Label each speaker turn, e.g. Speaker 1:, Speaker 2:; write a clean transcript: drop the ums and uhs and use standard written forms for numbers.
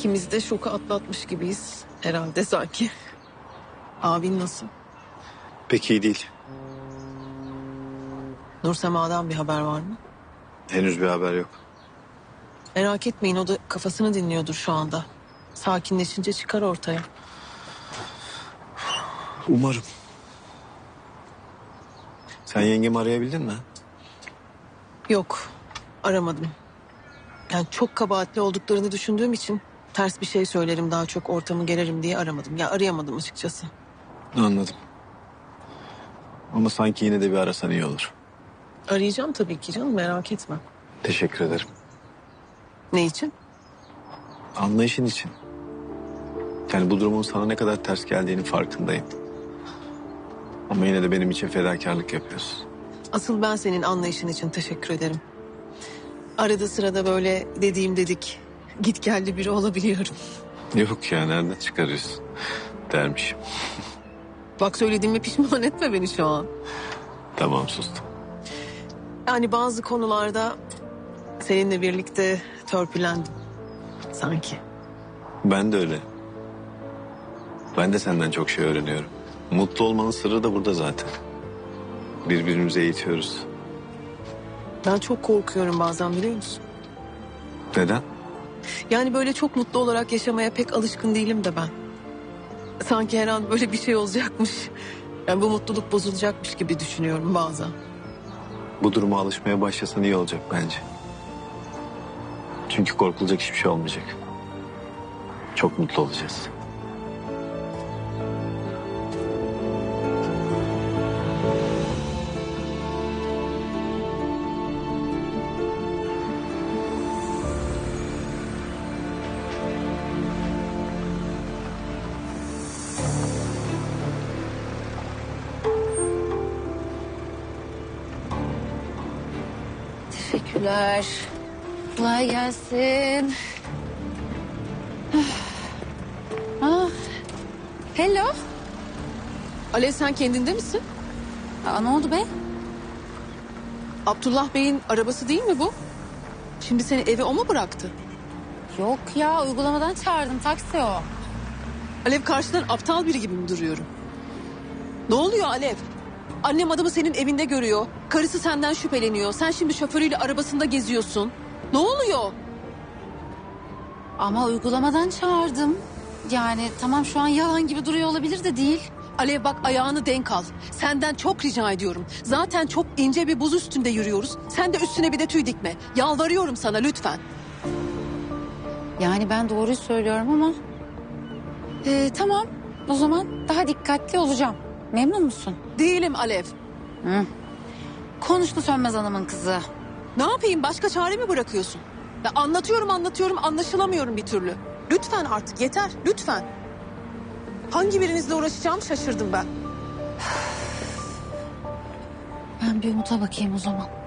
Speaker 1: İkimiz de şoku atlatmış gibiyiz herhalde sanki. Abin nasıl?
Speaker 2: Pek iyi değil.
Speaker 1: Nursema'dan bir haber var mı?
Speaker 2: Henüz bir haber yok.
Speaker 1: Merak etmeyin, o da kafasını dinliyordur şu anda. Sakinleşince çıkar ortaya.
Speaker 2: Umarım. Sen yengemi arayabildin mi?
Speaker 1: Yok, aramadım. Yani çok kabahatli olduklarını düşündüğüm için ters bir şey söylerim, daha çok ortamı gererim diye aramadım. Ya arayamadım açıkçası.
Speaker 2: Anladım. Ama sanki yine de bir arasan iyi olur.
Speaker 1: Arayacağım tabii ki canım, merak etme.
Speaker 2: Teşekkür ederim.
Speaker 1: Ne için?
Speaker 2: Anlayışın için. Yani bu durumun sana ne kadar ters geldiğinin farkındayım. Ama yine de benim için fedakarlık yapıyorsun.
Speaker 1: Asıl ben senin anlayışın için teşekkür ederim. Arada sırada böyle dediğim dedik, git geldi biri olabiliyorum.
Speaker 2: Yok ya, nereden çıkarıyorsun dermişim.
Speaker 1: Bak, söylediğime pişman etme beni şu an.
Speaker 2: Tamam, sustum.
Speaker 1: Yani bazı konularda seninle birlikte törpülendim sanki.
Speaker 2: Ben de öyle. Ben de senden çok şey öğreniyorum. Mutlu olmanın sırrı da burada zaten. Birbirimizi eğitiyoruz.
Speaker 1: Ben çok korkuyorum bazen, biliyor musun?
Speaker 2: Neden?
Speaker 1: Yani böyle çok mutlu olarak yaşamaya pek alışkın değilim de ben. Sanki her an böyle bir şey olacakmış. Yani bu mutluluk bozulacakmış gibi düşünüyorum bazen.
Speaker 2: Bu duruma alışmaya başlasan iyi olacak bence. Çünkü korkulacak hiçbir şey olmayacak. Çok mutlu olacağız.
Speaker 3: Teşekkürler. Kolay gelsin. Ah. Hello.
Speaker 1: Alev, sen kendinde misin?
Speaker 3: Aa, ne oldu be?
Speaker 1: Abdullah Bey'in arabası değil mi bu? Şimdi seni eve o mu bıraktı?
Speaker 3: Yok ya, uygulamadan çağırdım, taksi o.
Speaker 1: Alev, karşıdan aptal biri gibi mi duruyorum? Ne oluyor Alev? Annem adamı senin evinde görüyor. Karısı senden şüpheleniyor. Sen şimdi şoförüyle arabasında geziyorsun. Ne oluyor?
Speaker 3: Ama uygulamadan çağırdım. Yani tamam, şu an yalan gibi duruyor olabilir de değil.
Speaker 1: Alev bak, ayağını denk al. Senden çok rica ediyorum. Zaten çok ince bir buz üstünde yürüyoruz. Sen de üstüne bir de tüy dikme. Yalvarıyorum sana lütfen.
Speaker 3: Yani ben doğruyu söylüyorum ama... tamam, o zaman daha dikkatli olacağım. Memnun musun?
Speaker 1: Değilim Alev.
Speaker 3: Hı. Konuştu Sönmez Hanım'ın kızı.
Speaker 1: Ne yapayım, başka çare mi bırakıyorsun? Ya anlatıyorum anlaşılamıyorum bir türlü. Lütfen artık yeter, lütfen. Hangi birinizle uğraşacağım şaşırdım ben.
Speaker 3: Ben bir Umut'a bakayım o zaman.